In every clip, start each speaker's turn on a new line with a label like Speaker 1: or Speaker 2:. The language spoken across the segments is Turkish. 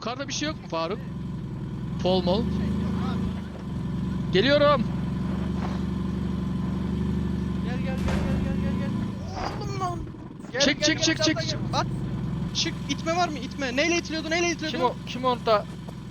Speaker 1: Yukarıda bir şey yok mu Faruk? Pol mol. Geliyorum.
Speaker 2: Gel. Oğlum lan.
Speaker 1: Çek.
Speaker 2: At. Çık. İtme var mı? İtme. Neyle itiliyordu?
Speaker 1: Kim orada?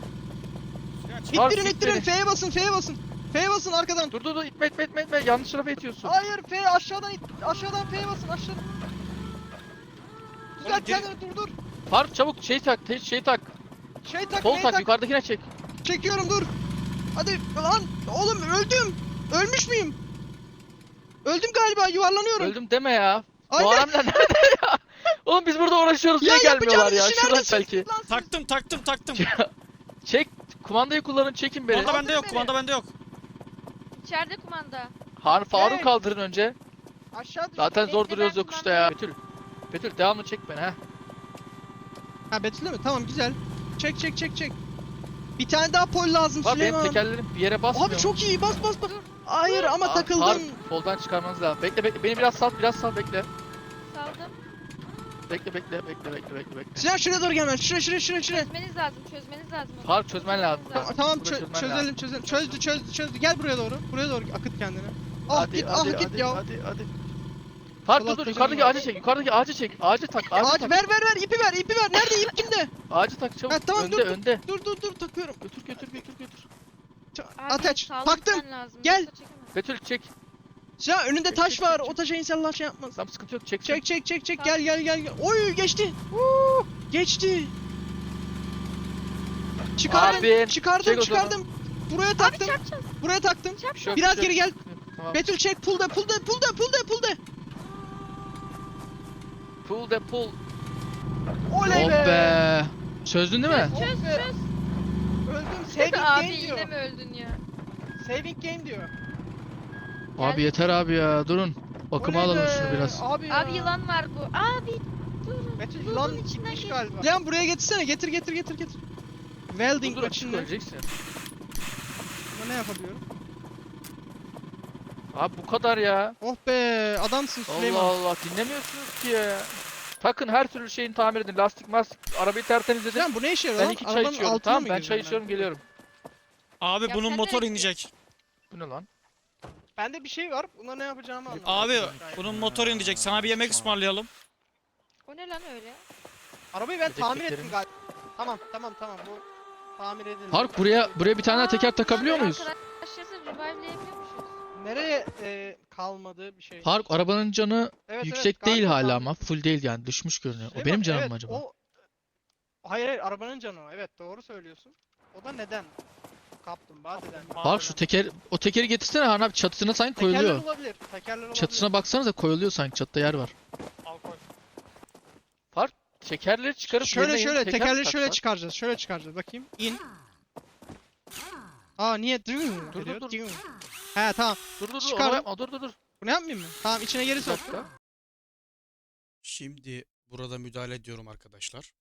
Speaker 2: İttirin. F'ye basın. F'ye basın arkadan.
Speaker 1: Dur itme. Yanlış tarafa itiyorsun.
Speaker 2: Hayır F aşağıdan it. Aşağıdan F'ye basın aşağıdan. Güzel kendini dur.
Speaker 1: Faruk çabuk şey tak.
Speaker 2: Şey tak.
Speaker 1: Pol
Speaker 2: F'ye
Speaker 1: tak.
Speaker 2: tak.
Speaker 1: Yukarıdakine çek.
Speaker 2: Çekiyorum dur. Hadi lan. Oğlum öldüm. Ölmüş müyüm? Öldüm galiba yuvarlanıyorum.
Speaker 1: Öldüm deme ya. Bu
Speaker 2: Aynen.
Speaker 1: adamlar nerede ya? Oğlum biz burada uğraşıyoruz. Niye gelmiyorlar ya? Şuradan belki.
Speaker 3: Taktım.
Speaker 1: Çek. Kumandayı kullanın. Çekin beni.
Speaker 3: Kumanda bende yok.
Speaker 4: İçeride kumanda.
Speaker 1: Faruk
Speaker 2: Çek.
Speaker 1: kaldırın önce.
Speaker 2: Aşağı düş.
Speaker 1: Zaten zor
Speaker 4: Bekle,
Speaker 1: duruyoruz
Speaker 4: ben
Speaker 1: yokuşta ya. Betül devamlı çek beni ha.
Speaker 2: Ha Betül'e mi? Tamam güzel. Çek. Bir tane daha pol lazım
Speaker 1: Bak benim
Speaker 2: Süleyman.
Speaker 1: tekerlerim bir yere basmıyor.
Speaker 2: Abi çok iyi bas. Hayır ama takıldın.
Speaker 1: Faruk poldan çıkarmanız lazım. Bekle beni biraz sal bekle.
Speaker 4: Saldım.
Speaker 1: Bekle.
Speaker 2: Sinan şuraya doğru gelmen. Şuraya.
Speaker 4: Çözmeniz lazım onu.
Speaker 1: Faruk çözmen lazım.
Speaker 2: Tamam
Speaker 1: Burada çözmen
Speaker 2: çözelim.
Speaker 1: lazım.
Speaker 2: Çözdü. Gel buraya doğru. Akıt kendini.
Speaker 1: Hadi,
Speaker 2: Git ya.
Speaker 1: hadi. Faruk dur
Speaker 2: Dolaştıracağım
Speaker 1: yukarıdaki
Speaker 2: ya.
Speaker 1: ağacı çek. Yukarıdaki ağacı çek. Ağacı tak.
Speaker 2: Ağaç ver ipi ver. Nerede ip kimde?
Speaker 1: Ağacı tak çabuk.
Speaker 2: Ha, tamam,
Speaker 1: önde.
Speaker 2: Dur takıyorum.
Speaker 1: Götür.
Speaker 2: Ateş.
Speaker 4: Sağlık
Speaker 2: Taktım.
Speaker 4: gitmen lazım,
Speaker 2: Gel.
Speaker 4: yoksa çekemem.
Speaker 1: Betül çek.
Speaker 2: Sinan önünde
Speaker 1: Çek,
Speaker 2: taş
Speaker 1: çek,
Speaker 2: var.
Speaker 1: çek.
Speaker 2: O taşa inşallah şey yapmaz.
Speaker 1: Tamam sıkıntı yok. Çek.
Speaker 2: Çek. Gel. Oy geçti. Geçti.
Speaker 1: Abin, çek o zaman.
Speaker 2: Çıkardım. Buraya
Speaker 4: Abi
Speaker 2: taktım.
Speaker 4: çarpacağız.
Speaker 2: Buraya taktım.
Speaker 1: Bir şey yok,
Speaker 2: Biraz
Speaker 1: bir şey
Speaker 2: geri
Speaker 1: yok.
Speaker 2: gel.
Speaker 1: Tamam.
Speaker 2: Betül çek. Pull de.
Speaker 1: Pull
Speaker 2: Oley
Speaker 1: Oh be. Çözdün değil mi?
Speaker 4: Çöz.
Speaker 2: Öldüm. Saving
Speaker 4: Abi
Speaker 2: game diyor.
Speaker 4: yine mi öldün ya?
Speaker 2: Saving game diyor.
Speaker 1: Abi yeter abi ya. Durun. Bakıma
Speaker 2: Oley
Speaker 1: alalım
Speaker 2: be.
Speaker 1: şunu biraz.
Speaker 2: Abi ya.
Speaker 4: Abi yılan var bu. Abi dur.
Speaker 2: Betül
Speaker 4: Buzun
Speaker 2: yılan
Speaker 4: içinden
Speaker 2: gitmiş
Speaker 4: geç.
Speaker 2: galiba. Lan buraya getirsene. Getir. Welding
Speaker 1: Dur açık
Speaker 2: machine'le.
Speaker 1: öleceksin.
Speaker 2: Buna ne yapabiliyorum?
Speaker 1: Abi bu kadar ya.
Speaker 2: Oh be adamsın Süleyman.
Speaker 1: Allah dinlemiyorsunuz ki ya. Takın her türlü şeyini tamir edin. Lastik arabayı tertemiz edin.
Speaker 2: Lan bu ne işe yarıyor
Speaker 1: Ben
Speaker 2: lan?
Speaker 1: 2 çay
Speaker 2: Arabanın
Speaker 1: içiyorum.
Speaker 2: altına
Speaker 1: Tamam
Speaker 2: mı
Speaker 1: ben çay
Speaker 2: gireceğim
Speaker 1: içiyorum geliyorum.
Speaker 3: Abi
Speaker 4: Ya
Speaker 3: bunun
Speaker 4: sen
Speaker 3: motor
Speaker 4: nereye
Speaker 3: inecek.
Speaker 1: Bu ne lan?
Speaker 2: Bende bir şey var. Buna ne yapacağımı anlamadım.
Speaker 3: Abi bunun motor inecek. Sana bir yemek ısmarlayalım.
Speaker 4: O ne lan öyle?
Speaker 2: Arabayı ben tamir ettim
Speaker 1: Dedektiflerimiz-
Speaker 2: galiba. Tamam bu tamir edildi.
Speaker 1: Faruk buraya bir tane daha teker takabiliyor muyuz?
Speaker 4: Arkadaşlarsa revive'leyebiliyor muyuz?
Speaker 2: Nereye kalmadı bir şey?
Speaker 1: Faruk arabanın canı
Speaker 2: Evet,
Speaker 1: yüksek değil
Speaker 2: galiba
Speaker 1: hala
Speaker 2: tamir.
Speaker 1: ama full değil yani düşmüş görünüyor. O
Speaker 2: Süleyman,
Speaker 1: benim canım
Speaker 2: evet,
Speaker 1: mı acaba?
Speaker 2: Hayır arabanın canı o. Evet doğru söylüyorsun. O da neden? Kaplumbağa deden.
Speaker 1: Faruk şu o tekeri getirsene Han abi çatısına sanki
Speaker 2: Tekerler
Speaker 1: koyuluyor.
Speaker 2: olabilir.
Speaker 1: Çatısına baksanıza koyuluyor sanki çatıda yer var.
Speaker 2: Al koy.
Speaker 1: Faruk tekerleri çıkarıp
Speaker 2: Şöyle
Speaker 1: yerine yeni teker
Speaker 2: tekerleri
Speaker 1: tak
Speaker 2: şöyle
Speaker 1: Faruk.
Speaker 2: çıkaracağız. Şöyle çıkaracağız bakayım. İn. Aa niye?
Speaker 1: Dur.
Speaker 2: He tamam.
Speaker 1: Dur
Speaker 2: Çıkar.
Speaker 1: onu yapma dur.
Speaker 2: Bunu yapmayayım mı? Tamam içine geri
Speaker 1: Bir
Speaker 2: sok.
Speaker 1: dakika.
Speaker 3: Şimdi burada müdahale ediyorum arkadaşlar.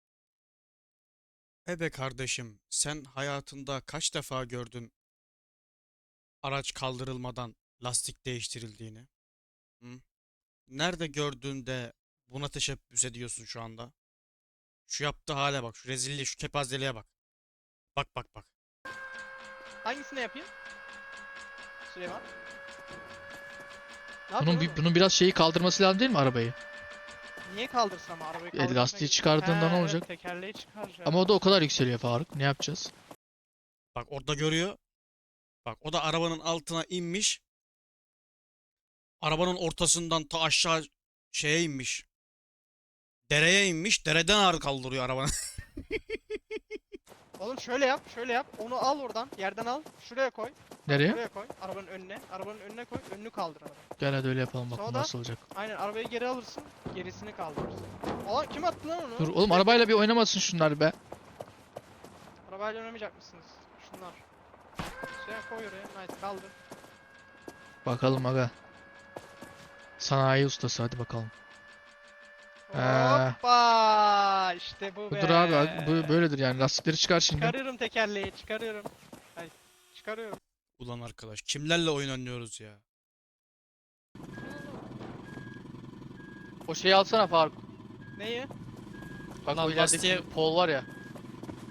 Speaker 3: Kardeşim, sen hayatında kaç defa gördün araç kaldırılmadan lastik değiştirildiğini? Hı? Nerede gördüğünde buna teşebbüs ediyorsun şu anda? Şu yaptığı hale bak, şu rezilliğe, şu kepazeliğe bak. Bak.
Speaker 2: Hangisini yapayım? Süleyman. Ne yapıyorsun oğlum?
Speaker 1: Bunun biraz şeyi kaldırması lazım değil mi arabayı?
Speaker 2: Niye kaldırsın ama arabayı kaldırmak?
Speaker 1: Lastiği çıkardığında ne olacak?
Speaker 2: Tekerleği çıkaracağım.
Speaker 1: Ama o da o kadar yükseliyor Faruk. Ne yapacağız?
Speaker 3: Bak orada görüyor. Bak o da arabanın altına inmiş. Arabanın ortasından ta aşağı şeye inmiş. Dereye inmiş. Dereden ağır kaldırıyor arabanı.
Speaker 2: Oğlum şöyle yap. Onu al oradan, yerden al. Şuraya koy.
Speaker 1: Nereye?
Speaker 2: Şuraya koy. Arabanın önüne koy. Önünü kaldır arabayı.
Speaker 1: Gel hadi öyle yapalım bakalım
Speaker 2: Sonra-
Speaker 1: nasıl olacak.
Speaker 2: Aynen arabayı geri alırsın. Gerisini kaldırırsın. Aa kim attı lan onu?
Speaker 1: Dur oğlum arabayla bir oynamasın şunlar be.
Speaker 2: Arabayla oynamayacak mısınız? Şunlar. Şuraya koy oraya. Nice kaldır.
Speaker 1: Bakalım aga. Sanayi ustası hadi bakalım.
Speaker 2: Hoppa! İşte bu be.
Speaker 1: Budur abi bu böyledir yani lastikleri çıkar şimdi.
Speaker 2: Çıkarıyorum tekerleği, çıkarıyorum. Ay, çıkarıyorum.
Speaker 3: Ulan arkadaş kimlerle oyun oynuyoruz ya?
Speaker 1: O şeyi alsana Faruk.
Speaker 2: Neyi?
Speaker 1: Bak
Speaker 3: Lan
Speaker 1: o ilerideki
Speaker 3: lastiğe-
Speaker 1: pol var ya.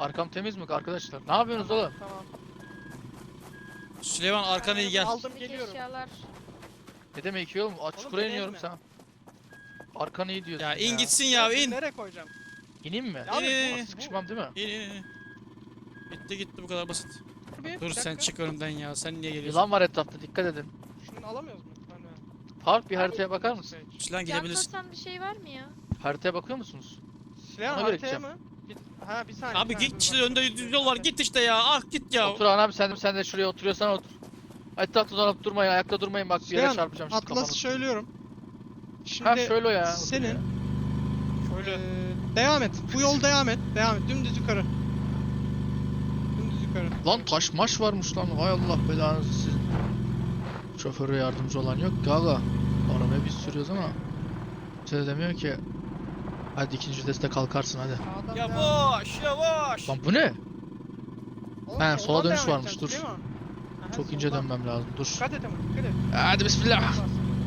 Speaker 1: Arkam temiz mi arkadaşlar? Ne yapıyorsunuz oğlum?
Speaker 2: Tamam.
Speaker 3: Süleyman arkana iyi gel.
Speaker 2: Aldım
Speaker 4: İçindeki
Speaker 2: geliyorum.
Speaker 4: eşyalar.
Speaker 1: Ne demek iyi oğlum? Çukura
Speaker 2: beni
Speaker 1: iniyorum
Speaker 2: ezme.
Speaker 1: sen. Arkanı iyi diyorsun
Speaker 3: Ya in gitsin ya
Speaker 2: Ben
Speaker 3: in.
Speaker 2: Nereye koyacağım?
Speaker 1: İneyim mi?
Speaker 2: Abi,
Speaker 3: İn, in,
Speaker 1: Sıkışmam değil mi?
Speaker 3: in, in. Bitti gitti bu kadar basit.
Speaker 2: Bir
Speaker 3: Dur sen
Speaker 2: dakika.
Speaker 3: çık önümden ya. Sen niye geliyorsun?
Speaker 1: Yılan var etrafta dikkat edin.
Speaker 2: Şunu alamıyoruz mu? Ben
Speaker 1: Faruk bir haritaya bakar mısın?
Speaker 3: Süleyman
Speaker 4: Can
Speaker 3: gidebilirsin.
Speaker 4: tasan bir şey var mı ya?
Speaker 1: Haritaya bakıyor musunuz?
Speaker 2: Silahın
Speaker 1: Ona göre
Speaker 2: haritaya
Speaker 1: gideceğim.
Speaker 2: mı? Ha bir saniye.
Speaker 3: Abi
Speaker 2: bir saniye,
Speaker 3: git
Speaker 2: dur
Speaker 3: işte
Speaker 2: bak.
Speaker 3: önde düz yol var git işte ya. Ah git ya.
Speaker 1: Otur abi sen de şuraya oturuyorsan otur. Etrafta dolanıp durmayın, ayakta durmayın bak bir yere
Speaker 2: Süleyman,
Speaker 1: çarpacağım sizin
Speaker 2: Atlas'ı
Speaker 1: kafanızı.
Speaker 2: söylüyorum. Şimdi
Speaker 1: Ha şöyle o ya.
Speaker 2: senin
Speaker 3: Şöyle.
Speaker 2: devam et. Bu yol devam et. Devam et. Dümdüz yukarı. Dümdüz yukarı.
Speaker 1: Lan taş maş varmış lan. Hay Allah belanızı sizin. Şoföre yardımcı olan yok ki aga. Arabayı biz sürüyoruz ama. Size demiyor ki. Hadi ikinci viteste kalkarsın hadi.
Speaker 2: Sağdan devam.
Speaker 3: Yavaş yavaş.
Speaker 1: Lan bu ne?
Speaker 2: Oğlum,
Speaker 1: He,
Speaker 2: soldan
Speaker 1: sola dönüş
Speaker 2: devam
Speaker 1: varmış,
Speaker 2: edeceksin,
Speaker 1: dur.
Speaker 2: değil mi? Aha,
Speaker 1: Çok ince
Speaker 2: soldan.
Speaker 1: dönmem lazım. Dur.
Speaker 2: Dikkat et ama dikkat et.
Speaker 1: Hadi bismillah.
Speaker 2: Bas.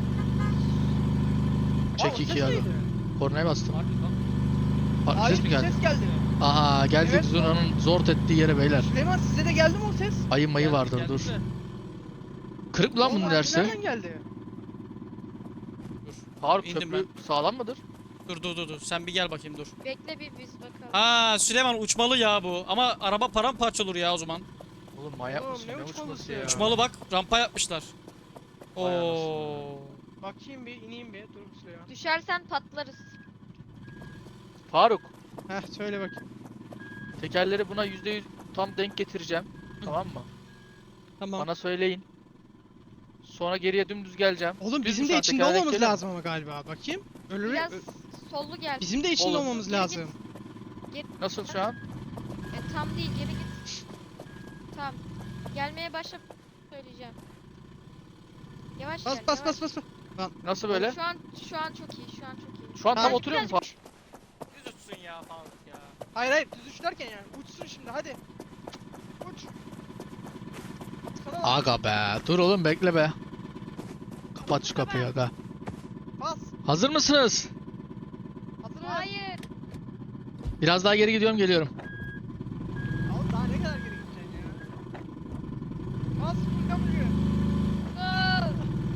Speaker 1: Çek
Speaker 2: Aa, o
Speaker 1: iki
Speaker 2: ses
Speaker 1: ya.
Speaker 2: neydi?
Speaker 1: Kornaya bastım.
Speaker 2: Hayır,
Speaker 1: Ses mi
Speaker 2: bir
Speaker 1: geldi?
Speaker 2: ses geldi.
Speaker 1: Aha geldik
Speaker 2: Evet.
Speaker 1: Zuna'nın zort ettiği yere beyler.
Speaker 2: Süleyman size de geldi mi o ses?
Speaker 1: Ayı mayı vardır dur. Kırık mı lan
Speaker 2: Oğlum,
Speaker 1: bunun
Speaker 2: abi
Speaker 1: dersi?
Speaker 2: Nereden geldi?
Speaker 1: Faruk
Speaker 3: İndim
Speaker 1: köprü sağlam mıdır?
Speaker 3: Dur. Sen bir gel bakayım dur.
Speaker 4: Bekle bir biz bakalım.
Speaker 3: Ha Süleyman uçmalı ya bu. Ama araba paramparça olur ya o zaman.
Speaker 1: Oğlum manyak
Speaker 2: Oğlum,
Speaker 1: mısın?
Speaker 2: ne
Speaker 1: Ne
Speaker 2: uçmalısı
Speaker 1: uçması
Speaker 2: ya?
Speaker 1: ya?
Speaker 3: Uçmalı bak rampa yapmışlar.
Speaker 1: Vay
Speaker 3: Oo.
Speaker 2: Bakayım bir ineyim bir. Dur Süleyman.
Speaker 4: Düşersen patlarız.
Speaker 1: Faruk
Speaker 2: Heh söyle bakayım.
Speaker 1: tekerleri buna %100 tam denk getireceğim. Tamam mı?
Speaker 2: Tamam.
Speaker 1: Bana söyleyin. Sonra geriye dümdüz geleceğim.
Speaker 2: Oğlum
Speaker 1: Düz
Speaker 2: bizim
Speaker 1: mü
Speaker 2: de
Speaker 1: şu an?
Speaker 2: içinde
Speaker 1: Tekerlek
Speaker 2: olmamız
Speaker 1: geliyor mu?
Speaker 2: lazım ama galiba. Bakayım. Ölür.
Speaker 4: Biraz sollu gel.
Speaker 2: Bizim de içinde
Speaker 1: Olur.
Speaker 2: olmamız
Speaker 4: Geri
Speaker 2: lazım.
Speaker 1: Nasıl şu an?
Speaker 4: Tam değil geri git. Tamam. Gelmeye başla söyleyeceğim. Yavaş
Speaker 2: Bas
Speaker 4: gel.
Speaker 2: bas
Speaker 4: yavaş.
Speaker 2: bas bas.
Speaker 1: Nasıl böyle?
Speaker 4: Şu an çok iyi. Şu an çok iyi.
Speaker 1: Şu an tam
Speaker 2: Hayır,
Speaker 1: oturuyor mu Faruk?
Speaker 3: Düz uçsun ya Faruk ya.
Speaker 2: Hayır hayır düz uç derken yani. Uçsun şimdi hadi. Uç. Sana
Speaker 1: Aga be. Dur oğlum bekle be. Kapat şu kapıyı aga.
Speaker 2: bas.
Speaker 1: Hazır mısınız?
Speaker 2: Hazır ol.
Speaker 4: Hayır.
Speaker 1: Biraz daha geri gidiyorum geliyorum.
Speaker 2: Oğlum daha ne kadar geri gideceksin ya? Bas full kapıyı.
Speaker 4: Go.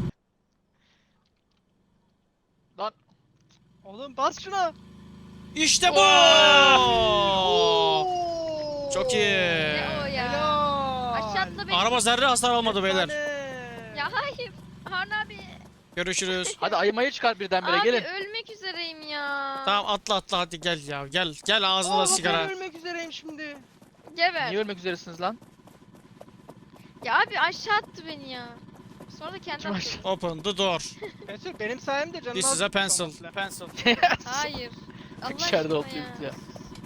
Speaker 1: Lan
Speaker 2: Oğlum bas şuna.
Speaker 3: İşte bu.
Speaker 2: Oo.
Speaker 3: Çok iyi.
Speaker 4: Ne o ya?
Speaker 2: Helal.
Speaker 4: Aşağı atla beni.
Speaker 3: Araba zerre hasar almadı beyler.
Speaker 2: Efsane.
Speaker 4: Ya hayır. Harun abi.
Speaker 3: Görüşürüz.
Speaker 1: hadi ayımayı çıkar birdenbire
Speaker 4: Abi
Speaker 1: gelin.
Speaker 4: ölmek üzereyim ya.
Speaker 3: Tamam atla hadi gel ya gel ağzına
Speaker 2: Aa,
Speaker 3: da sigara.
Speaker 2: Ben ölmek üzereyim şimdi.
Speaker 4: Geber.
Speaker 1: Niye ölmek üzeresiniz lan?
Speaker 4: Ya abi aşağı attı beni ya. Sonra da kendi
Speaker 1: Kim
Speaker 4: attı.
Speaker 1: aşağı-
Speaker 3: Open the door.
Speaker 2: Pencil benim sayemde canım.
Speaker 3: This is a pencil. Pencil.
Speaker 4: Hayır. Allah
Speaker 1: İçeride
Speaker 4: aşkına
Speaker 1: oturuyoruz ya.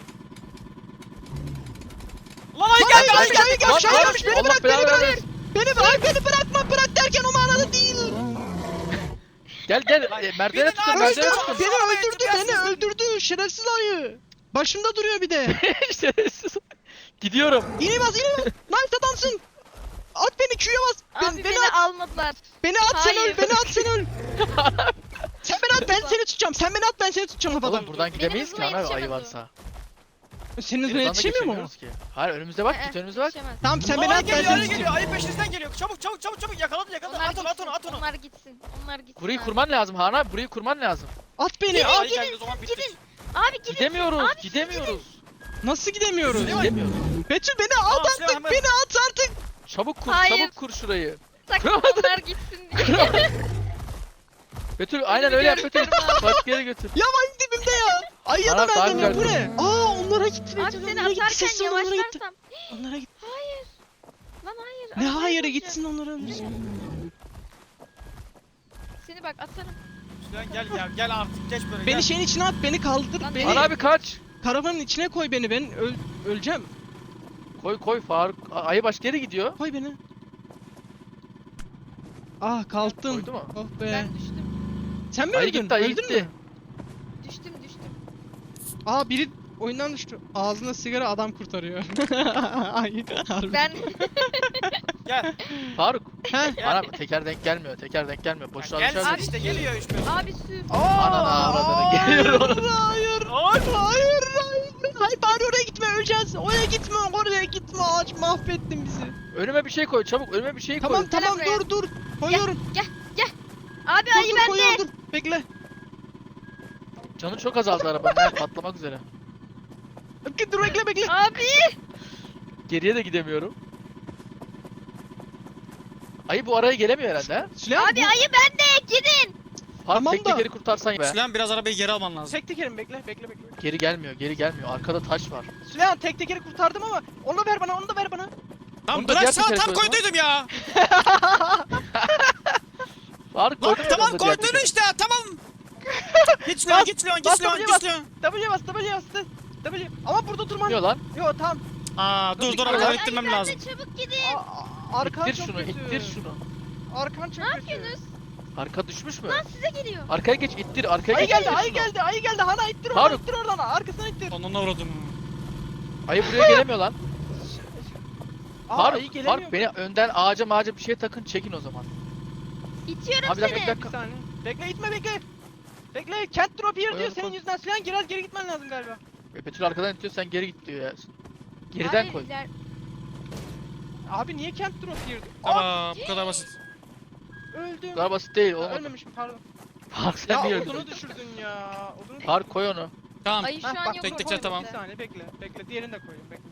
Speaker 3: Lan ay geldi ay geldi.
Speaker 2: Şahin gelmiş, Şahin gelmiş. Beni
Speaker 1: Allah
Speaker 2: bırak, beni
Speaker 1: belanı
Speaker 2: bırak.
Speaker 1: versin.
Speaker 2: Beni bırakma, bırak derken o manada değil.
Speaker 1: Gel merdivene
Speaker 3: Bir de
Speaker 1: tutun
Speaker 3: daha
Speaker 1: merdivene
Speaker 3: öldürdü.
Speaker 1: tutun.
Speaker 2: Beni öldürdü. Şerefsiz ayı. Başımda duruyor bir de.
Speaker 1: Şerefsiz. Gidiyorum.
Speaker 2: İğne bas. Knife adamsın. At beni Q'ya bas.
Speaker 4: Abi beni
Speaker 2: at.
Speaker 4: almadılar.
Speaker 2: Beni at sen öl.
Speaker 4: Hayır.
Speaker 2: Beni at sen öl. Sen beni at ben seni tutacağım. Sen beni at ben seni tutacağım havadan.
Speaker 1: Oğlum buradan gidemeyiz ki
Speaker 4: hızıma
Speaker 1: ana ayı
Speaker 4: yetişemez o.
Speaker 1: varsa.
Speaker 2: Senin hızına
Speaker 1: Buradan da
Speaker 2: yetişemiyor mu?
Speaker 1: geçemiyoruz ki. Hayır önümüze bak git önümüze bak.
Speaker 4: Yetişemez.
Speaker 2: Tamam sen beni
Speaker 3: Ay
Speaker 2: at ben
Speaker 3: geliyor
Speaker 2: seni
Speaker 3: ay
Speaker 2: tutacağım.
Speaker 3: geliyor ayı peşinizden geliyor. Çabuk yakaladı
Speaker 4: Onlar
Speaker 3: at
Speaker 4: gitsin.
Speaker 3: onu.
Speaker 4: Onlar gitsin. Onlar gitsin.
Speaker 1: Burayı
Speaker 4: abi.
Speaker 1: kurman lazım Han abi burayı kurman lazım.
Speaker 2: At beni.
Speaker 4: Gidin,
Speaker 2: At.
Speaker 3: Ay geldi o zaman bittik.
Speaker 4: gidin. Abi gidin.
Speaker 1: Gidemiyoruz gidemiyoruz.
Speaker 2: Nasıl gidemiyoruz?
Speaker 1: Gidemiyoruz.
Speaker 2: Betül beni at
Speaker 3: Tamam,
Speaker 2: artık.
Speaker 3: Süleyman, hemen.
Speaker 2: Beni at artık.
Speaker 1: Çabuk kur
Speaker 4: Hayır.
Speaker 1: çabuk kur şurayı.
Speaker 4: Sakın onlar gitsin diye.
Speaker 1: Betül aynen öyle yap Betül.
Speaker 4: görüyorum abi.
Speaker 1: Başka yere götür.
Speaker 2: Ya bak dibimde ya. Ayıya da
Speaker 1: Bana daha
Speaker 2: benzemiyor. Bu
Speaker 1: güzel.
Speaker 2: ne? Aa onlara gitti.
Speaker 4: Abi
Speaker 2: Betül,
Speaker 4: seni
Speaker 2: onlara gitti.
Speaker 4: atarken
Speaker 2: Sessiz ol, onlara gitti.
Speaker 4: yavaşlarsam.
Speaker 2: Onlara gitti.
Speaker 4: Hayır. Lan hayır.
Speaker 2: Ne
Speaker 4: arabayı
Speaker 2: hayırı
Speaker 4: bulacağım.
Speaker 2: gitsin onlara ölsün.
Speaker 4: Seni bak atarım.
Speaker 3: Gel artık geç böyle
Speaker 2: Beni şeyin içine at, beni kaldır,
Speaker 4: Lan
Speaker 2: beni
Speaker 1: Han abi kaç.
Speaker 2: karavanın içine koy beni, ben öleceğim.
Speaker 1: Koy Faruk. Ayı başka yere gidiyor.
Speaker 2: Koy beni. Ah kalktım.
Speaker 1: Koydu mu?
Speaker 2: Oh be.
Speaker 4: Ben düştüm.
Speaker 2: Sen mi
Speaker 1: Ayı
Speaker 2: öldün?
Speaker 1: gitti ayı
Speaker 2: Öldün
Speaker 1: gitti.
Speaker 2: mü?
Speaker 4: Düştüm.
Speaker 2: Aa biri oyundan düştü. Ağzına sigara adam kurtarıyor. Ay harbi.
Speaker 4: Ben
Speaker 3: Gel.
Speaker 1: Faruk.
Speaker 2: He.
Speaker 1: Han abi teker denk gelmiyor. Teker denk gelmiyor. Boşluğa düşersin.
Speaker 4: Abi, işte,
Speaker 3: geliyor işte.
Speaker 4: abi sür.
Speaker 1: Ananı avradını geliyor.
Speaker 2: Hayır.
Speaker 3: Ay.
Speaker 2: Hayır. Hayır bari oraya gitme öleceğiz. Ağaç oraya gitme, oraya gitme, ağaç mahvettin bizi.
Speaker 1: Önüme bir şey koy çabuk. Önüme bir şey koy.
Speaker 2: Tamam
Speaker 4: Gel
Speaker 2: tamam
Speaker 4: buraya.
Speaker 2: dur koyuyorum.
Speaker 4: Abi
Speaker 2: Dur
Speaker 4: ayı
Speaker 2: dur
Speaker 4: bende.
Speaker 2: koyuyorum dur. Bekle.
Speaker 1: Canı çok azaldı arabanın. Yani patlamak üzere.
Speaker 2: Dur bekle.
Speaker 4: Abi.
Speaker 1: Geriye de gidemiyorum. Ayı bu araya gelemiyor herhalde ha?
Speaker 2: Süleyman
Speaker 4: Abi ayı bende. Gidin.
Speaker 1: Faruk
Speaker 2: Tamam
Speaker 1: tek
Speaker 2: da-
Speaker 1: tekeri kurtarsan be.
Speaker 3: Süleyman biraz arabayı geri alman lazım.
Speaker 2: Tek tekerim bekle.
Speaker 1: Geri gelmiyor. Arkada taş var.
Speaker 2: Süleyman tek tekeri kurtardım ama onu da ver bana.
Speaker 3: Tamam
Speaker 1: Onu da diğer
Speaker 3: bıraksana,
Speaker 1: tekere
Speaker 3: tam
Speaker 1: koy o zaman.
Speaker 3: koyduydum ya.
Speaker 1: Faruk
Speaker 3: Lan
Speaker 1: koydun mu
Speaker 3: tamam
Speaker 1: onu da diğer
Speaker 3: koydun
Speaker 1: tekere?
Speaker 3: işte, tamam. Git Leon,
Speaker 2: Bas,
Speaker 3: git Leon,
Speaker 2: bas,
Speaker 3: git Leon,
Speaker 2: W
Speaker 3: git Leon.
Speaker 2: W bas. W. Ama burada durman.
Speaker 1: Gitmiyor lan.
Speaker 2: Yo tamam.
Speaker 3: Aa dur dur,
Speaker 1: Ayı
Speaker 3: arkadan
Speaker 4: Ayı
Speaker 3: ittirmem
Speaker 4: bende.
Speaker 3: lazım.
Speaker 4: Çabuk gidin.
Speaker 2: Arkan
Speaker 1: İttir
Speaker 2: çok
Speaker 1: şunu,
Speaker 2: kötü.
Speaker 1: ittir şunu.
Speaker 2: Arkan çok
Speaker 4: Ne
Speaker 2: kötü.
Speaker 4: yapıyorsunuz?
Speaker 1: Arka düşmüş mü?
Speaker 4: Lan size geliyor.
Speaker 1: Arkaya geç, ittir. Arkaya
Speaker 2: Ayı
Speaker 1: geç.
Speaker 2: geldi,
Speaker 1: ittir
Speaker 2: ayı
Speaker 1: şunu.
Speaker 2: geldi. Hana ittir
Speaker 1: Faruk.
Speaker 2: oradan. Arkasına ittir.
Speaker 3: Onunla uğradım.
Speaker 1: Ayı buraya gelemiyor lan.
Speaker 2: Ayı gelemiyor.
Speaker 1: Faruk beni önden ağaca bir şey takın, çekin o zaman.
Speaker 4: İtiyorum
Speaker 1: Abi bir dakika,
Speaker 4: seni.
Speaker 1: bir dakika.
Speaker 2: Bir saniye. Bekle itme bekle. Bekle, can't drop here diyor.
Speaker 1: Koyalım,
Speaker 2: Senin
Speaker 1: koy.
Speaker 2: yüzünden Süleyman biraz geri gitmen lazım galiba.
Speaker 1: Betül arkadan itiyor, sen geri git diyor ya. Geriden
Speaker 4: Abi,
Speaker 1: koy.
Speaker 2: Abi niye can't drop here diyor?
Speaker 3: Tamam, bu kadar basit.
Speaker 2: Öldüm.
Speaker 1: Bu kadar basit değil,
Speaker 2: Ha,
Speaker 1: olmadı.
Speaker 2: ölmemişim pardon.
Speaker 1: Faruk sen
Speaker 2: Ya
Speaker 1: niye
Speaker 2: odunu
Speaker 1: öldün?
Speaker 2: düşürdün ya. Odunu
Speaker 1: Faruk koy onu.
Speaker 3: Tamam.
Speaker 4: Ayı şu
Speaker 2: Heh,
Speaker 4: an
Speaker 2: bak,
Speaker 4: yok.
Speaker 3: tek tek
Speaker 2: koydum.
Speaker 3: tamam.
Speaker 2: Bir saniye bekle. Diğerini de koyayım bekle.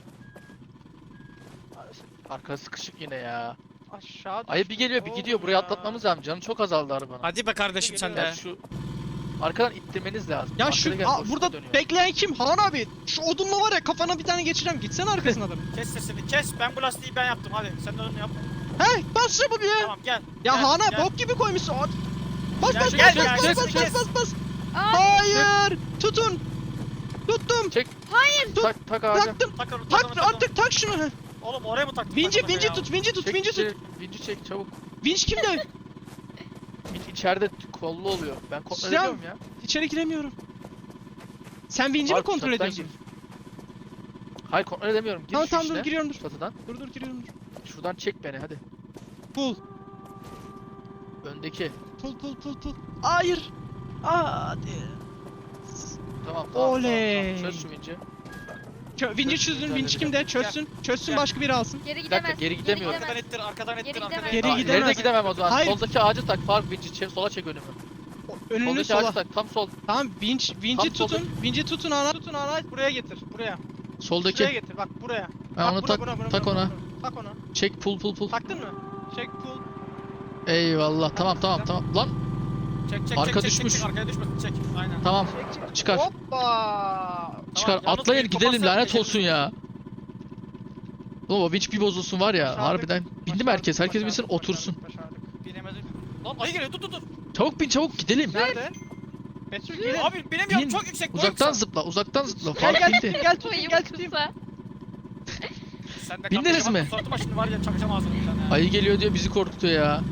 Speaker 1: Arka sıkışık yine ya.
Speaker 2: Aşağı
Speaker 1: Ayı bir
Speaker 2: düştüm
Speaker 1: geliyor bir
Speaker 2: oğlum
Speaker 1: gidiyor, buraya
Speaker 2: ya.
Speaker 1: atlatmamız lazım. Canı çok azaldı arabanın.
Speaker 3: Hadi be kardeşim sen
Speaker 2: Geliyor.
Speaker 3: de.
Speaker 1: Ya şu arkadan ittirmeniz lazım.
Speaker 2: Ya
Speaker 1: Arkada
Speaker 2: şu
Speaker 1: gel, boşluğa
Speaker 2: burada
Speaker 1: dönüyor.
Speaker 2: bekleyen kim? Han abi. Şu odunla var ya kafana bir tane geçireceğim. Gitsene arkasına adamın.
Speaker 3: Kes sesini kes, ben bu lastiği ben yaptım, hadi sen de onu yap.
Speaker 2: He bas çabuk ya.
Speaker 3: Tamam gel.
Speaker 2: Ya
Speaker 3: gel,
Speaker 2: Han abi
Speaker 3: gel.
Speaker 2: bok gibi koymuşsun. Bas
Speaker 3: Gel,
Speaker 2: bas
Speaker 3: gel,
Speaker 2: bas
Speaker 3: gel,
Speaker 2: bas
Speaker 3: gel,
Speaker 2: bas
Speaker 3: gel.
Speaker 2: bas bas.
Speaker 4: Abi
Speaker 2: Hayır. Tutun. Tuttum.
Speaker 1: Tak ağaca.
Speaker 2: Taktım.
Speaker 3: Tak onu, tak
Speaker 2: Tak
Speaker 3: onu, tak onu.
Speaker 2: artık tak şunu.
Speaker 3: Oğlum oraya mı taktın?
Speaker 2: Vinci
Speaker 3: takımı ya?
Speaker 2: tut. Vinci tut.
Speaker 1: Çek,
Speaker 2: Vinci tut.
Speaker 1: Vinci çek çabuk.
Speaker 2: Vinç kimde?
Speaker 1: Vinci içeride kollu oluyor. Ben kontrol
Speaker 2: Sinan.
Speaker 1: ediyorum ya.
Speaker 2: İçeri giremiyorum. Sen Vinci mi
Speaker 1: Faruk,
Speaker 2: kontrol
Speaker 1: çatıdan
Speaker 2: ediyorsun?
Speaker 1: Hayır kontrol edemiyorum. Gir
Speaker 2: Tamam
Speaker 1: şu
Speaker 2: tamam dur
Speaker 1: içine,
Speaker 2: giriyorum dur.
Speaker 1: çatıdan.
Speaker 2: Dur giriyorum dur.
Speaker 1: Şuradan çek beni hadi.
Speaker 2: Pull.
Speaker 1: Öndeki.
Speaker 2: Pull. Hayır. Hadi.
Speaker 1: Tamam.
Speaker 2: Oley.
Speaker 1: Çöz şu Vinci.
Speaker 2: Vinci çözün. Vinci kimde? Çözsün
Speaker 3: Gel.
Speaker 2: başka biri alsın.
Speaker 4: geri
Speaker 1: dakika,
Speaker 4: gidemez.
Speaker 1: geri gidemiyorum.
Speaker 3: Arkadan ittir, arkadan ittir,
Speaker 4: Geri
Speaker 3: arkadan
Speaker 4: gidemez.
Speaker 3: ittir.
Speaker 2: Geri
Speaker 1: Aa,
Speaker 2: gidemez.
Speaker 1: ileri de gidemem o zaman.
Speaker 2: Hayır.
Speaker 1: Soldaki ağacı tak. Faruk Vinci sola çek önümü.
Speaker 2: Önünü
Speaker 1: Soldaki
Speaker 2: sola.
Speaker 1: ağacı tak. Tam sol.
Speaker 2: Tamam Vinci
Speaker 1: Tam
Speaker 2: tutun. Vinci tutun ana. Tutun ana. Buraya getir. Buraya.
Speaker 1: Soldaki.
Speaker 2: Şuraya getir. Bak buraya.
Speaker 1: Ha,
Speaker 2: Bak,
Speaker 1: onu tak. Tak ona.
Speaker 2: Tak ona.
Speaker 1: Çek pull.
Speaker 2: Taktın mı? Çek pull.
Speaker 1: Eyvallah. Tamam. Lan.
Speaker 3: Çek,
Speaker 1: Arka
Speaker 3: çek,
Speaker 1: düşmüş.
Speaker 3: Çek, arkaya düşmesin, çek. Aynen.
Speaker 1: Tamam.
Speaker 2: Çek.
Speaker 1: Çıkar.
Speaker 2: Hoppa.
Speaker 1: Çıkar.
Speaker 3: yalnız
Speaker 1: Atlayın
Speaker 3: bir
Speaker 1: gidelim
Speaker 3: kapatsak
Speaker 1: lanet
Speaker 3: geçeriz.
Speaker 1: olsun ya. Oğlum o vinç bir bozulsun var ya.
Speaker 2: Başardık.
Speaker 1: Harbiden. Bindi mi herkes? Herkes bilsin otursun.
Speaker 2: Başardık.
Speaker 3: Binemedim. Lan ayı geliyor, dur.
Speaker 1: Çabuk bin çabuk gidelim.
Speaker 2: Nerede? Betül gelin.
Speaker 3: Abi binemiyorum,
Speaker 1: Bin.
Speaker 3: çok yüksek. boyum
Speaker 1: Uzaktan
Speaker 3: kısa.
Speaker 1: zıpla. Uzaktan zıpla.
Speaker 2: Gel
Speaker 1: Faruk
Speaker 2: gel
Speaker 1: bindi.
Speaker 2: tutayım gel tutayım
Speaker 4: Boyum
Speaker 2: gel tutayım.
Speaker 4: kısa.
Speaker 3: Sen de
Speaker 1: Bindiniz
Speaker 3: kaptın,
Speaker 1: mi?
Speaker 3: bak, Suratıma şimdi var ya, çakacağım ağzını bir tane.
Speaker 1: Ayı geliyor diyor bizi korkutuyor ya.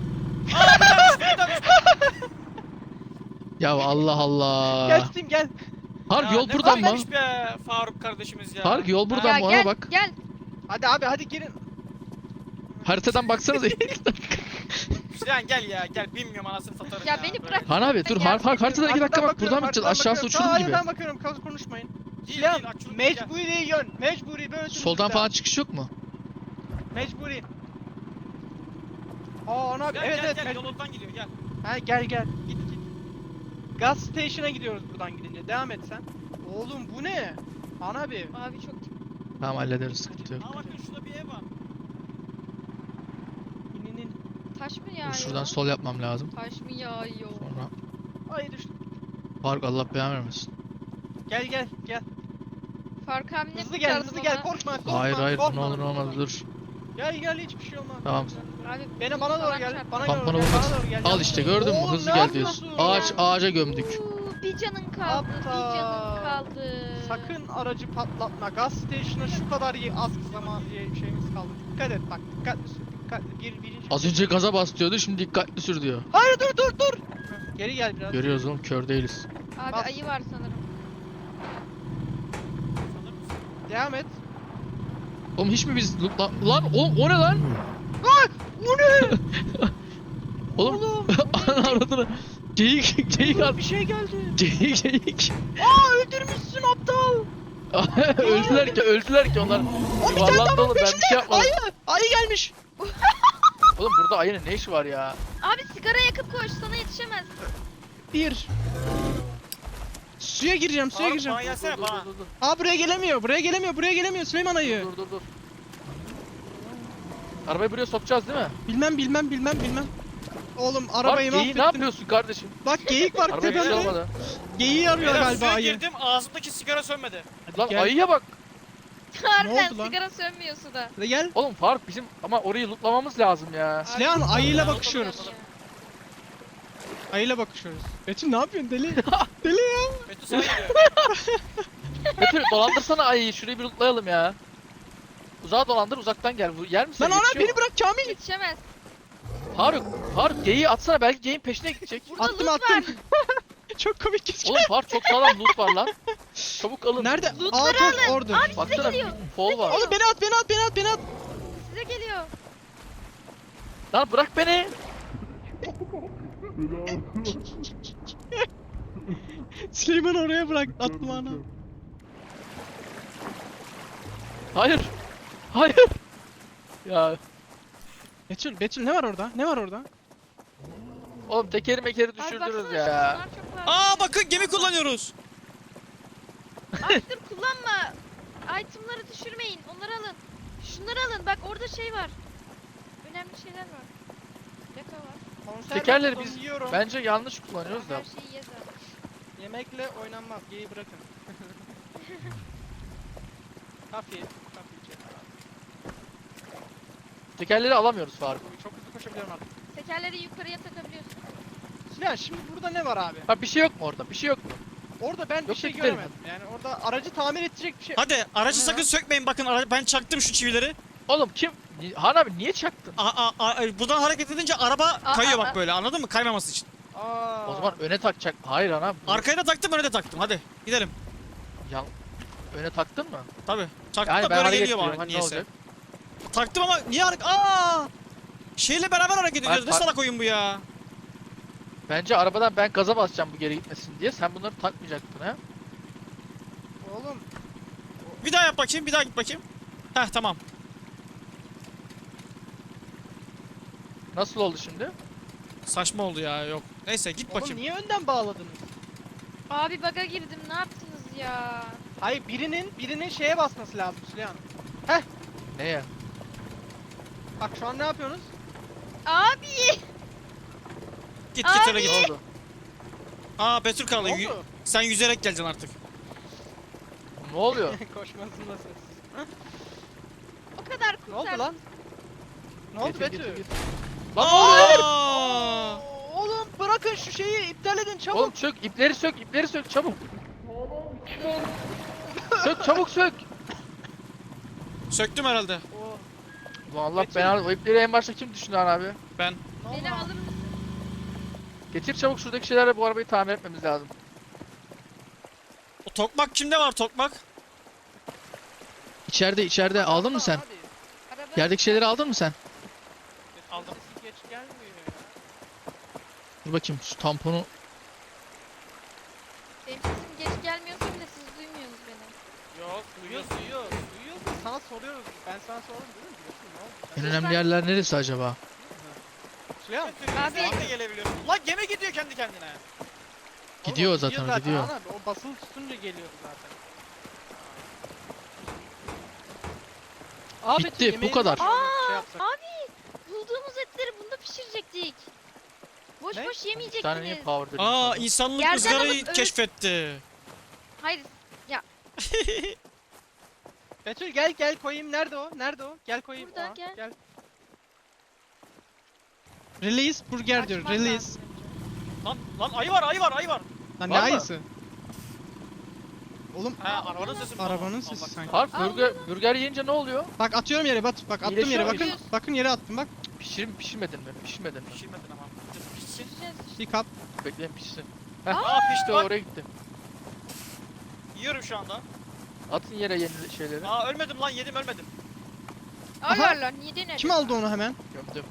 Speaker 1: Ya Allah Allah.
Speaker 2: Gel tutayım gel.
Speaker 1: Faruk
Speaker 3: Ya
Speaker 1: yol
Speaker 3: ne
Speaker 1: buradan mı?
Speaker 3: varmış be Faruk kardeşimiz ya.
Speaker 1: Faruk yol buradan
Speaker 4: Ya
Speaker 1: mı ona
Speaker 4: gel
Speaker 1: bak.
Speaker 4: gel.
Speaker 2: Hadi abi hadi girin.
Speaker 1: Haritadan baksanıza.
Speaker 3: Süleyman gel ya, gel, bilmiyorum anasını satarım
Speaker 4: Ya
Speaker 3: ya.
Speaker 4: beni
Speaker 3: böyle.
Speaker 4: bırak.
Speaker 1: Han abi dur
Speaker 4: Gel.
Speaker 1: Faruk haritada 2 dakika bak buradan mı gideceğiz? Aşağısı uçurum gibi.
Speaker 2: Hayır ben bakıyorum konuşmayın.
Speaker 3: Değil,
Speaker 2: Silahım
Speaker 3: değil, açıldı,
Speaker 2: mecburi yön. Mecburi böyle
Speaker 1: Soldan
Speaker 2: dümdüz
Speaker 1: falan
Speaker 2: devam.
Speaker 1: çıkış yok mu?
Speaker 2: Mecburi. Aa ana abi
Speaker 3: Gel,
Speaker 2: evet
Speaker 3: gel,
Speaker 2: evet.
Speaker 3: gel, yolundan gidiyor, gel.
Speaker 2: Ha gel git. Gas station'a gidiyoruz buradan gidince. Devam et sen. Oğlum bu ne? Ana abi.
Speaker 4: Abi çok
Speaker 1: Tamam hallederiz sıkıntı yok.
Speaker 3: Aa bakın şurada bir ev var.
Speaker 2: İninin.
Speaker 4: taş mı
Speaker 1: Dur
Speaker 4: yağıyor?
Speaker 1: şuradan sol yapmam lazım.
Speaker 4: Taş mı yağıyor?
Speaker 1: Sonra
Speaker 2: Ay düştüm.
Speaker 1: Faruk Allah belanı vermesin.
Speaker 2: Gel.
Speaker 4: Fark abi ne
Speaker 2: Hızlı gel
Speaker 4: kurtardı
Speaker 2: hızlı
Speaker 4: bana?
Speaker 2: gel korkma.
Speaker 1: Hayır ne
Speaker 2: korkma.
Speaker 1: olur ne olmaz dur.
Speaker 2: Gel hiçbir şey olmaz.
Speaker 1: Tamam.
Speaker 4: Abi
Speaker 2: Bana doğru
Speaker 4: falan
Speaker 2: gel.
Speaker 4: çarptı.
Speaker 2: Bana
Speaker 1: Tampona
Speaker 2: doğru gel.
Speaker 1: vurmak.
Speaker 2: Bana doğru gel.
Speaker 1: Al işte gördün mü
Speaker 2: Oğlum,
Speaker 1: hızlı
Speaker 2: ne
Speaker 1: gel diyorsun.
Speaker 2: yapıyorsun?
Speaker 1: Ağaca gömdük.
Speaker 4: Bir canın kaldı. Bir canın kaldı.
Speaker 2: Sakın aracı patlatma. Gas station'a şu kadar az zaman şeyimiz kaldı. Dikkat et bak. Dikkatli sür. Dikkatli. Birinci.
Speaker 1: Az önce gaza bas diyordu şimdi dikkatli sür diyor.
Speaker 2: Hayır dur. Geri gel biraz.
Speaker 1: Görüyoruz oğlum kör değiliz.
Speaker 4: Abi
Speaker 2: Bas.
Speaker 4: ayı var sanırım.
Speaker 3: Sanır mısın?
Speaker 2: Devam et.
Speaker 1: Oğlum hiç mi biz lan oğlum o ne lan?
Speaker 2: Bu ne?
Speaker 1: Oğlum ananı avradını. Geyik
Speaker 2: Oğlum,
Speaker 1: at.
Speaker 2: bir şey geldi.
Speaker 1: Geyik.
Speaker 2: Aa öldürmüşsün aptal.
Speaker 1: öldüler ki onlar.
Speaker 2: O bir tane daha
Speaker 1: Yuvarlandı
Speaker 2: var
Speaker 1: oğlum, ben bir
Speaker 2: peşimde.
Speaker 1: şey yapmadım.
Speaker 2: Ayı gelmiş.
Speaker 1: Oğlum burada ayının ne işi var ya?
Speaker 4: Abi sigara yakıp koş sana yetişemez.
Speaker 2: Bir. Suya gireceğim, suya
Speaker 5: Faruk
Speaker 2: gireceğim.
Speaker 5: bana gelsene bana.
Speaker 1: Dur.
Speaker 2: Aa buraya gelemiyor, buraya gelemiyor Süleyman ayı.
Speaker 1: Dur. Arabayı buraya sokacağız değil mi?
Speaker 2: Bilmem. Oğlum
Speaker 1: Bak
Speaker 2: arabayı
Speaker 1: geyiği ne
Speaker 2: mahvettin.
Speaker 1: yapıyorsun kardeşim?
Speaker 2: Bak geyik var
Speaker 1: Arabaya bir şey
Speaker 2: tepemde.
Speaker 1: olmadı.
Speaker 2: Geyiği arıyor
Speaker 5: Beyler
Speaker 2: galiba
Speaker 5: suya
Speaker 2: ayı.
Speaker 5: girdim ağzımdaki sigara sönmedi.
Speaker 1: Lan
Speaker 2: Gel.
Speaker 1: ayıya bak.
Speaker 4: Harbiden
Speaker 2: oldu lan?
Speaker 4: sigara sönmüyor suda.
Speaker 2: Hadi gel.
Speaker 1: Oğlum Faruk bizim ama orayı lootlamamız lazım ya.
Speaker 2: Süleyman ayıyla
Speaker 5: Ben
Speaker 2: bakışıyoruz.
Speaker 5: anladım.
Speaker 2: Ayıyla bakışıyoruz. Betül ne yapıyorsun deli? Deli ya.
Speaker 5: Betül sana geliyor.
Speaker 1: Betül dolandırsana ayıyı, şurayı bir lootlayalım ya. Uzağa dolandır, uzaktan gel. Bu yer misin?
Speaker 2: Lan ana beni bırak Kamil.
Speaker 4: Yetişemez.
Speaker 1: Faruk geyiği atsana, belki geyiğin peşine gidecek.
Speaker 4: Burada
Speaker 2: Attım
Speaker 4: loot
Speaker 2: attım.
Speaker 4: var.
Speaker 2: Çok komik gözüküyor.
Speaker 1: Oğlum Faruk çok sağlam loot var lan. Çabuk alın.
Speaker 2: Nerede?
Speaker 4: Lootları
Speaker 2: Aa top
Speaker 4: alın.
Speaker 2: orada.
Speaker 4: Abi size
Speaker 1: Baksana
Speaker 4: geliyor.
Speaker 1: fol var.
Speaker 2: Oğlum beni at.
Speaker 4: Size geliyor.
Speaker 1: Lan bırak beni.
Speaker 2: Süleyman oraya bırak. Atma ana.
Speaker 1: Hayır. Ya
Speaker 2: Betül ne var orada? Ne var orada?
Speaker 1: oğlum tekeri mekeri
Speaker 4: Abi
Speaker 1: düşürdünüz
Speaker 4: baksana
Speaker 1: ya.
Speaker 4: şunlar çok var.
Speaker 3: Aa bakın gemi kullanıyoruz.
Speaker 4: Abi dur kullanma. Itemları düşürmeyin. Onları alın. Şunları alın. Bak orada şey var. Önemli şeyler var. Yaka var.
Speaker 2: Konserve
Speaker 1: Tekerleri
Speaker 2: tozu
Speaker 1: biz
Speaker 2: yiyorum.
Speaker 1: bence yanlış kullanıyoruz da.
Speaker 4: Her şeyi ye zaten.
Speaker 2: Yemekle oynanmaz. Geyi bırakın. Kafi.
Speaker 1: Tekerleri alamıyoruz Faruk.
Speaker 2: Çok hızlı koşabiliyorum artık.
Speaker 4: Tekerleri yukarıya takabiliyorsun.
Speaker 2: Süleyman şimdi burada ne var abi?
Speaker 1: Bak bir şey yok mu orada? Bir şey yok mu?
Speaker 2: Orada ben bir
Speaker 1: Yoksa
Speaker 2: şey
Speaker 1: gidelim
Speaker 2: göremedim. Yani orada aracı tamir edecek bir şey.
Speaker 3: Hadi aracı
Speaker 2: Ne
Speaker 3: sakın
Speaker 2: lan?
Speaker 3: sökmeyin bakın ben çaktım şu çivileri.
Speaker 1: Oğlum kim? Han abi niye çaktın?
Speaker 3: Buradan hareket edince araba
Speaker 4: Aa,
Speaker 3: kayıyor
Speaker 4: aa,
Speaker 3: bak böyle anladın mı? Kaymaması için.
Speaker 2: Aa.
Speaker 1: O zaman öne takacak. Hayır ana.
Speaker 3: Arkaya da taktım öne de taktım hadi gidelim.
Speaker 1: Ya, öne taktın mı?
Speaker 3: Tabii. Taktım
Speaker 1: Yani
Speaker 3: da
Speaker 1: ben
Speaker 3: böyle
Speaker 1: hareket
Speaker 3: geliyor
Speaker 1: ediyorum.
Speaker 3: bana
Speaker 1: Hani ne
Speaker 3: niyeyse.
Speaker 1: olacak?
Speaker 3: Taktım ama niye hareket... Aa! Şeyle beraber hareket ediyoruz. Ne
Speaker 1: tak-
Speaker 3: salak oyun bu ya?
Speaker 1: Bence arabadan ben gaza basacağım bu geri gitmesin diye. Sen bunları takmayacaktın ha?
Speaker 2: Oğlum.
Speaker 3: Bir daha yap bakayım, bir daha git bakayım. Heh tamam.
Speaker 1: Nasıl oldu şimdi?
Speaker 3: Saçma oldu ya yok. Neyse git
Speaker 2: Oğlum
Speaker 3: bakayım.
Speaker 2: niye önden bağladınız?
Speaker 4: Abi baga girdim. Ne yaptınız ya?
Speaker 2: Hayır birinin şeye basması lazım Süleyman.
Speaker 1: Neye?
Speaker 2: Bak şu an ne yapıyorsunuz?
Speaker 4: Abi.
Speaker 3: Git git öyle
Speaker 1: Ne
Speaker 3: git.
Speaker 1: oldu?
Speaker 3: Aa Betül
Speaker 2: Ne
Speaker 3: kaldı.
Speaker 2: oldu?
Speaker 3: Sen yüzerek geleceksin artık.
Speaker 1: Ne oluyor?
Speaker 2: Koşmasında ses.
Speaker 4: O kadar
Speaker 2: Ne oldu
Speaker 4: kurtardım.
Speaker 2: lan? Ne oldu
Speaker 1: Getir,
Speaker 2: Betül?
Speaker 1: getir. Lan ne oluyor?
Speaker 3: Aa!
Speaker 2: Oğlum bırakın şu şeyi iptal edin çabuk.
Speaker 1: Oğlum sök, ipleri sök çabuk. Sök çabuk sök.
Speaker 3: Söktüm herhalde.
Speaker 2: Oo,
Speaker 1: Ulan Allah
Speaker 2: Betül.
Speaker 1: belanı, o ipleri en başta kim düşündü abi?
Speaker 3: Ben.
Speaker 2: ne oldu
Speaker 4: Beni
Speaker 2: lan?
Speaker 4: alır mısın?
Speaker 1: Getir çabuk, şuradaki şeylerle bu arabayı tamir etmemiz lazım.
Speaker 3: O tokmak kimde var tokmak?
Speaker 1: İçeride aldın mı sen?
Speaker 2: Hadi.
Speaker 4: Araba.
Speaker 1: Yerdeki şeyleri aldın mı sen?
Speaker 2: Aldım. Sesi geç gelmiyor ya.
Speaker 1: Dur bakayım şu tamponu.
Speaker 4: Benim sesim geç gelmiyorsa bile siz duymuyorsunuz beni.
Speaker 2: Yok duyuyoruz. Sana soruyoruz. Ben sana sordum değil mi? Biliyorsun ne oldu?
Speaker 1: En önemli yerler neresi acaba?
Speaker 2: Süleyman.
Speaker 4: Abi.
Speaker 5: Sen de gelebiliyorsun. Lan gemi gidiyor kendi kendine.
Speaker 1: Gidiyor
Speaker 2: Oğlum,
Speaker 1: zaten, gidiyor.
Speaker 2: Ana, o basılı tutunca geliyor zaten. Aa,
Speaker 1: Bitti,
Speaker 2: Betül,
Speaker 1: bu
Speaker 2: yemeğini
Speaker 1: kadar.
Speaker 2: şey
Speaker 4: Aa,
Speaker 2: yapsak.
Speaker 4: abi. Bulduğumuz etleri bunda pişirecektik. Boş
Speaker 2: Ne?
Speaker 4: boş
Speaker 1: Bir tane niye
Speaker 4: yemeyecektiniz.
Speaker 1: power dedim
Speaker 3: Aa
Speaker 1: sana?
Speaker 3: insanlık
Speaker 4: Yerden
Speaker 3: ızgarayı
Speaker 4: alıp- evet.
Speaker 3: keşfetti.
Speaker 4: Hayır.
Speaker 2: Betül gel koyayım. Nerede o? Gel koyayım.
Speaker 4: Burada,
Speaker 2: Aa,
Speaker 4: gel.
Speaker 2: Release burger diyor.
Speaker 4: Açman
Speaker 2: Release.
Speaker 4: lazım önce.
Speaker 5: Lan ayı var.
Speaker 2: Lan ne
Speaker 1: Var mı?
Speaker 2: ayısı? Oğlum
Speaker 5: He arabanın sesi mi?
Speaker 2: arabanın
Speaker 5: Allah
Speaker 2: sesi
Speaker 5: Allah.
Speaker 2: sanki.
Speaker 1: Faruk
Speaker 4: Aa,
Speaker 1: burger yiyince ne oluyor?
Speaker 2: Bak atıyorum yere bak attım yere
Speaker 1: İyileşiyor
Speaker 2: bakın.
Speaker 4: muyuz?
Speaker 2: Bakın yere attım bak.
Speaker 1: Pişirmedin mi? Pişirmedin mi?
Speaker 5: Pişirmedin ama. Pişsin.
Speaker 4: Pişireceğiz işte.
Speaker 2: Bir kap.
Speaker 1: Bekleyin pişsin.
Speaker 5: Aa
Speaker 1: İşte
Speaker 5: pişti bak.
Speaker 1: oraya gitti.
Speaker 5: Yiyorum şu anda.
Speaker 1: Atın yere yeni şeyleri.
Speaker 5: Aa ölmedim lan yedim ölmedim.
Speaker 4: Allah
Speaker 2: Aha.
Speaker 4: Allah. Niye denedin?
Speaker 2: Kim aldı onu hemen?
Speaker 1: Gömdüm.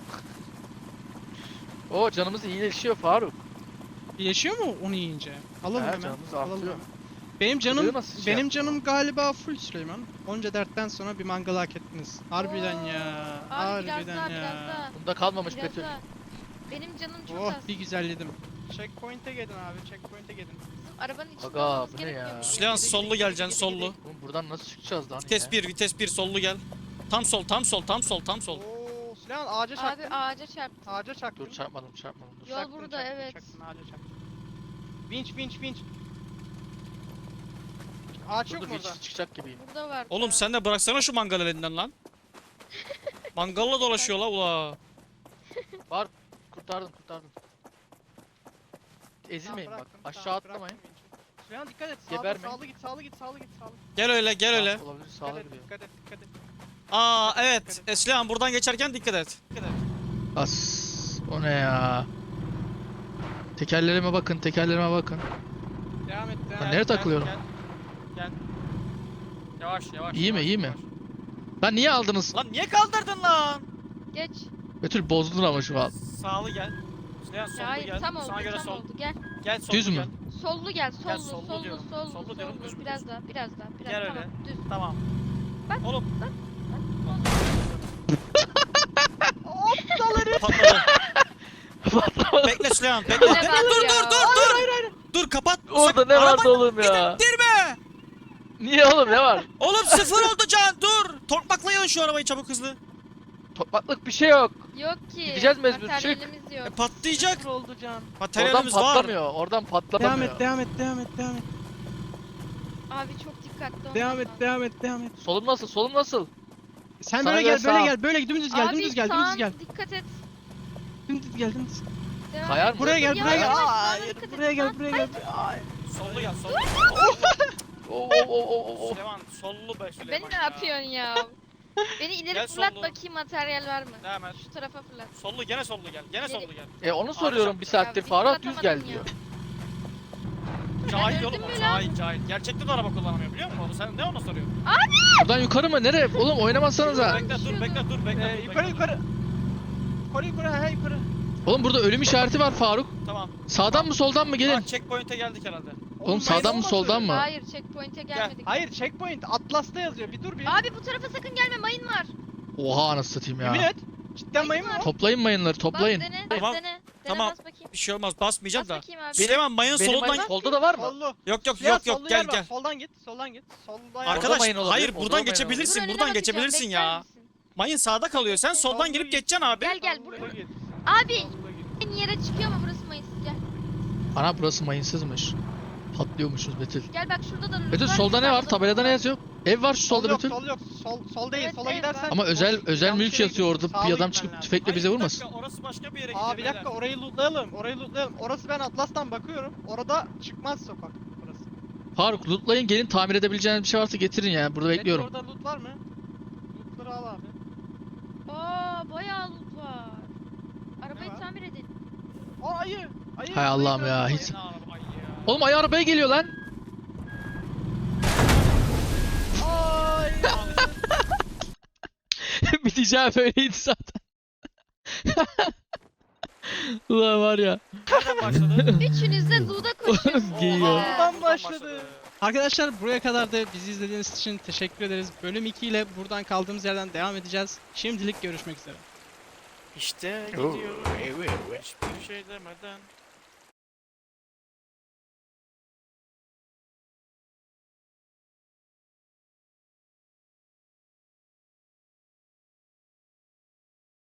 Speaker 1: Oo canımız iyileşiyor Faruk.
Speaker 2: Yaşıyor mu onu yiyince? Alalım
Speaker 1: He,
Speaker 2: hemen.
Speaker 1: canımız
Speaker 2: Alalım
Speaker 1: artıyor.
Speaker 2: hemen. Benim canım
Speaker 1: Buraya nasıl şey
Speaker 2: benim
Speaker 1: yaptın
Speaker 2: canım galiba full Süleyman. Onca dertten sonra bir mangal hak ettiniz. Harbiden
Speaker 4: Oo.
Speaker 2: ya.
Speaker 4: Abi biraz
Speaker 2: Harbiden
Speaker 4: daha,
Speaker 2: ya.
Speaker 4: biraz daha.
Speaker 1: Bunda kalmamış
Speaker 4: Biraz
Speaker 1: Betül.
Speaker 4: daha. Benim canım çok
Speaker 2: Oh
Speaker 4: az.
Speaker 2: bir güzelledim. Checkpoint'e gelin abi, checkpoint'e gelin.
Speaker 4: Arabanın içinde
Speaker 1: Aga,
Speaker 4: olmamız
Speaker 1: bu ne
Speaker 4: gerekmiyor
Speaker 1: ya?
Speaker 4: mu?
Speaker 3: Süleyman
Speaker 2: Gidi,
Speaker 3: sollu
Speaker 2: gidi,
Speaker 3: geleceksin
Speaker 2: gidi,
Speaker 3: sollu.
Speaker 2: gidi.
Speaker 1: Oğlum buradan nasıl çıkacağız lan
Speaker 3: Vites
Speaker 1: yine?
Speaker 3: 1 vites 1 sollu gel. Tam sol tam sol tam sol tam sol.
Speaker 2: Oo Süleyman ağaca
Speaker 4: Abi
Speaker 2: çaktın.
Speaker 4: ağaca çarptım.
Speaker 2: Ağaca çaktın.
Speaker 1: Dur çarpmadım dur.
Speaker 4: Yol
Speaker 2: Çaktın,
Speaker 4: burada,
Speaker 2: çaktın,
Speaker 4: evet.
Speaker 2: Çaktın, ağaca çaktın. Vinç. Ağaç yok
Speaker 1: Dur
Speaker 2: mu
Speaker 1: bir
Speaker 2: orada?
Speaker 1: çıkacak gibiyim.
Speaker 4: Burada var.
Speaker 3: Oğlum sen de bıraksana şu mangal elinden lan. Mangalla dolaşıyor la ula.
Speaker 1: Kurtardım. Ezilmeyin bak.
Speaker 2: bıraktım,
Speaker 1: Aşağı
Speaker 2: tamam,
Speaker 1: atlamayın.
Speaker 2: bıraktım vinci. Süleyman dikkat et.
Speaker 1: Gebermeyin.
Speaker 2: Sağlı git.
Speaker 3: Gel öyle gel öyle.
Speaker 1: Sağ olabilir
Speaker 2: Dikkat
Speaker 1: sağa
Speaker 2: et,
Speaker 1: gidiyor.
Speaker 2: dikkat et.
Speaker 3: Aa evet. Süleyman buradan geçerken dikkat et.
Speaker 1: As. O ne ya? Tekerlerime bakın.
Speaker 2: Devam et.
Speaker 1: nereye takılıyorum?
Speaker 5: Gel. Yavaş.
Speaker 1: İyi mi,
Speaker 5: yavaş,
Speaker 1: iyi mi?
Speaker 5: yavaş.
Speaker 1: Lan niye aldınız?
Speaker 5: Lan niye kaldırdın lan?
Speaker 4: Geç.
Speaker 1: Betül bozdun ama şu an.
Speaker 5: Sağlı gel. Süleyman sollu
Speaker 4: Hayır
Speaker 5: gel.
Speaker 4: tam oldu,
Speaker 5: Sana göre
Speaker 4: tam
Speaker 5: sol.
Speaker 4: oldu. Gel.
Speaker 5: Gel sollu
Speaker 1: Düz mü?
Speaker 5: gel.
Speaker 4: Sollu gel.
Speaker 5: Gel,
Speaker 4: Sollu,
Speaker 5: sollu diyorum.
Speaker 4: sollu.
Speaker 5: Sollu diyorum, düz mü,
Speaker 4: Biraz
Speaker 5: düz?
Speaker 4: daha.
Speaker 5: Gel
Speaker 4: Tamam.
Speaker 5: öyle.
Speaker 4: Düz.
Speaker 5: Tamam.
Speaker 4: Bak,
Speaker 5: Oğlum.
Speaker 3: Patladı. Bekle Süleyman bekle.
Speaker 4: Ne var ya?
Speaker 3: Dur kapat.
Speaker 1: Orada ne vardı oğlum ya?
Speaker 3: Dirme.
Speaker 1: Niye oğlum ne var?
Speaker 3: Oğlum sıfır oldu can dur. Tokmaklayın şu arabayı çabuk hızlı.
Speaker 1: Topraklık bir şey yok.
Speaker 4: Yok ki.
Speaker 1: Gideceğiz mecbur, çık.
Speaker 4: Materyalimiz yok.
Speaker 3: Patlayacak.
Speaker 2: Sıfır oldu can.
Speaker 1: Oradan
Speaker 3: Materyalimiz var.
Speaker 1: patlamıyor. Oradan patlamıyor.
Speaker 2: Devam et.
Speaker 4: Abi çok dikkatli olman
Speaker 2: Devam et.
Speaker 1: Solum nasıl?
Speaker 2: Sen
Speaker 1: Sana
Speaker 2: böyle
Speaker 1: göre
Speaker 2: gel,
Speaker 1: sağ.
Speaker 2: böyle dümdüz gel,
Speaker 4: Abi
Speaker 2: dümdüz gel.
Speaker 4: dikkat et.
Speaker 2: Dümdüz gel.
Speaker 4: Devam
Speaker 1: Kayar
Speaker 4: et.
Speaker 1: mı?
Speaker 2: Buraya gel,
Speaker 4: Yavaş,
Speaker 2: buraya gel.
Speaker 4: yavaş,
Speaker 2: Hayır,
Speaker 4: dikkat et.
Speaker 2: buraya gel,
Speaker 4: Lan,
Speaker 2: buraya gel.
Speaker 5: Sollu gel. Sollu.
Speaker 1: Oo.
Speaker 5: Süleyman sollu be Süleyman.
Speaker 4: Beni ne
Speaker 5: ya.
Speaker 4: yapıyorsun ya? Beni ileri
Speaker 5: Gel
Speaker 4: fırlat
Speaker 5: sollu.
Speaker 4: bakayım materyal var mı?
Speaker 5: Devam et.
Speaker 4: Şu tarafa fırlat.
Speaker 5: Sollu gene sollu gel. Gene
Speaker 4: Geri-
Speaker 5: sollu gel.
Speaker 1: Onu soruyorum bir
Speaker 4: Ya,
Speaker 1: saattir.
Speaker 4: bir
Speaker 1: Farah düz gel
Speaker 4: fırlatamadım ya.
Speaker 1: diyor.
Speaker 5: Cahil
Speaker 4: öldüm
Speaker 5: oğlum o
Speaker 4: mü lan?
Speaker 5: cahil. Gerçekten de araba kullanamıyor biliyor musun onu? Sen ne ona soruyorsun?
Speaker 1: Buradan yukarı mı? Nereye? Oğlum oynamazsanıza.
Speaker 5: Bekle.
Speaker 2: Yukarı. Yukarı.
Speaker 1: Oğlum burada ölüm işareti var Faruk.
Speaker 5: Tamam.
Speaker 1: Sağdan mı soldan mı gelin?
Speaker 5: Bak checkpoint'e geldik herhalde.
Speaker 1: Oğlum sağdan mı soldan mı?
Speaker 4: Hayır checkpoint'e gelmedik.
Speaker 2: Hayır, checkpoint Atlas'ta yazıyor. Bir dur bir.
Speaker 4: Abi bu tarafa sakın gelme, mayın var.
Speaker 1: Oha anasını satayım
Speaker 2: Yemin
Speaker 1: ya.
Speaker 2: et. Cidden mayın mı?
Speaker 1: Toplayın mayınları toplayın.
Speaker 4: Bas dene,
Speaker 3: Tamam,
Speaker 4: dene. Dene
Speaker 3: tamam.
Speaker 4: bas bakayım.
Speaker 3: Bir şey olmaz basmayacağım
Speaker 4: Bas
Speaker 3: da.
Speaker 4: bakayım abi.
Speaker 3: Süleyman mayın
Speaker 1: Benim
Speaker 3: solundan.
Speaker 1: mayın solda da var mı?
Speaker 2: Sollu.
Speaker 3: Yok
Speaker 2: Ya,
Speaker 3: yok
Speaker 2: sollu
Speaker 3: gel
Speaker 2: yer var.
Speaker 3: gel.
Speaker 2: Soldan git. Solda yer.
Speaker 3: Arkadaş
Speaker 1: mayın olabilir,
Speaker 3: hayır
Speaker 1: orada
Speaker 3: buradan
Speaker 1: mayın
Speaker 4: Dur,
Speaker 3: geçebilirsin
Speaker 4: önüne
Speaker 3: buradan
Speaker 4: bakacağım,
Speaker 3: geçebilirsin
Speaker 4: bekler
Speaker 3: ya.
Speaker 4: misin?
Speaker 3: Mayın sağda kalıyor sen soldan girip geçeceksin abi.
Speaker 4: Gel Abi en yere çıkıyor mu burası mayınsız gel.
Speaker 1: Ana burası mayinsızmış. Patlıyormuşuz Betül.
Speaker 4: Gel bak şurada da loot
Speaker 1: Betül
Speaker 4: var,
Speaker 1: solda ne var?
Speaker 4: İstanbul'da
Speaker 1: Tabelada ne yazıyor? Ev var şu solda
Speaker 2: Sol
Speaker 1: Betül.
Speaker 2: yok. Sol değil.
Speaker 4: Evet,
Speaker 2: Sola
Speaker 4: ev
Speaker 2: gidersen.
Speaker 4: var.
Speaker 1: Ama özel
Speaker 2: Yanlış
Speaker 1: mülk
Speaker 2: yere
Speaker 1: yazıyor orada.
Speaker 2: gidiyorsun.
Speaker 1: Bir adam
Speaker 2: Sağa
Speaker 1: çıkıp
Speaker 2: gitmen
Speaker 1: tüfekle bize vurmasın.
Speaker 5: Orası başka bir yere gidiyor.
Speaker 2: Aa bir dakika orayı lootlayalım. Orası ben Atlas'tan bakıyorum. Orada çıkmaz sokak burası.
Speaker 1: Faruk lootlayın gelin tamir edebileceğiniz bir şey varsa getirin ya. Burada bekliyorum.
Speaker 2: Orada loot var mı? Lootları al abi.
Speaker 4: Aa bayağı loot var. Arabayı
Speaker 2: var?
Speaker 4: tamir edin.
Speaker 2: Aa ayı.
Speaker 1: Hay Allah'ım ya,
Speaker 2: Ayı.
Speaker 1: hiç- Oğlum ayı arabaya geliyor lan.
Speaker 2: Ay.
Speaker 1: Biteceği böyleydi zaten. Ulan var ya.
Speaker 5: Nereden başladı?
Speaker 4: Üçünüz de loot'a koşuyorsunuz.
Speaker 1: Giyiyor.
Speaker 4: ya.
Speaker 2: Buradan başladı. Arkadaşlar buraya kadar da bizi izlediğiniz için teşekkür ederiz. Bölüm 2 ile buradan kaldığımız yerden devam edeceğiz. Şimdilik görüşmek üzere.
Speaker 5: İşte gidiyorum. Hiçbir şey demeden.